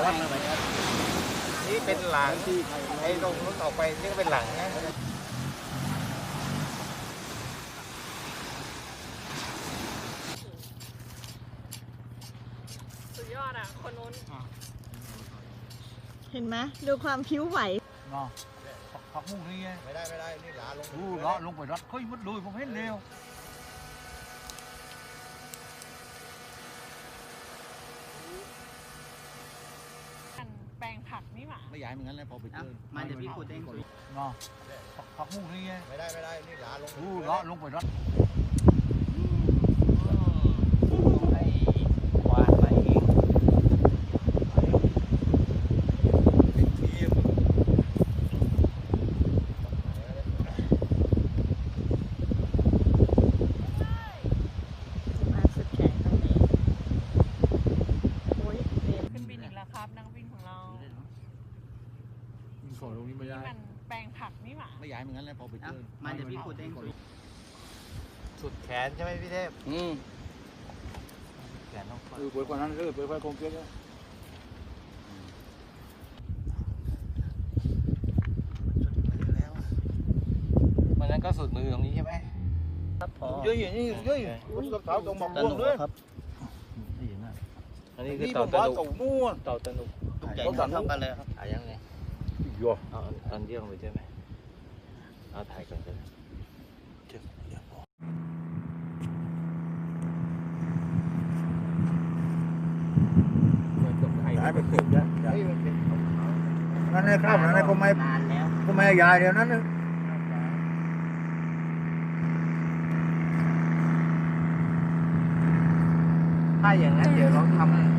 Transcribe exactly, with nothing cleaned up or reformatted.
วัดมาไหมนี่เป็นหลังไอ้ตรงนู้นออกไปนี่ก็เป็นหลังนะสุดยอดอ่ะคนนู้นเห็นไหมดูความผิวไหวเนาะผักมุ้งนี่ไงไม่ได้ไม่ได้นี่หลาลงดูเลาะลงไปรัดค่อยมัดดูผมเห็นเร็วแปลงผักนี่หว่าไม่ใหญ่เหมือนกันเลยพอไปเจอมันจะพี่ขุดเองเนาะผักมุ้งนี่ไงไม่ได้ไม่ได้นี่หลาลงดูเลาะลงไปรัดให้ควานไปเองมาสุดแขนตรงนี้โอ้ยเต็มขึ้นบินอีกแล้วครับนักบินของเราขอตรงนี้ไม่ได้มันแปลงผักนี่หว่าไม่ใหญ่เหมือนกันเลยพอไปเจอมันจะพี่ขุดเองสุดแขนใช่ไหมพี่เทพอืมแขนต้องเออเปิดกว่านั้นเลยเปิดไฟคงเกลียดแล้วมันนั้นก็สุดมือตรงนี้ใช่ไหมครับพอเยอะอย่างนี้เยอะคุณกับเต่าตรงหมอกม่วงด้วยครับอันนี้คือนี่เต่าผมตะว่านุเต่านู่นเต่าตะนุต้องสั่นเท่ากันเลยครับถ่ายยังไงยัวเอาอันเดียวเลยใช่ไหมเอาถ่ายกันเลยย้ายไปเก็บย้ายนั่นในข้าวนั่นในก็ไม่ก็ไม่ยายเดียวนั้นนะถ้าอย่างนั้นเดี๋ยวเราทำ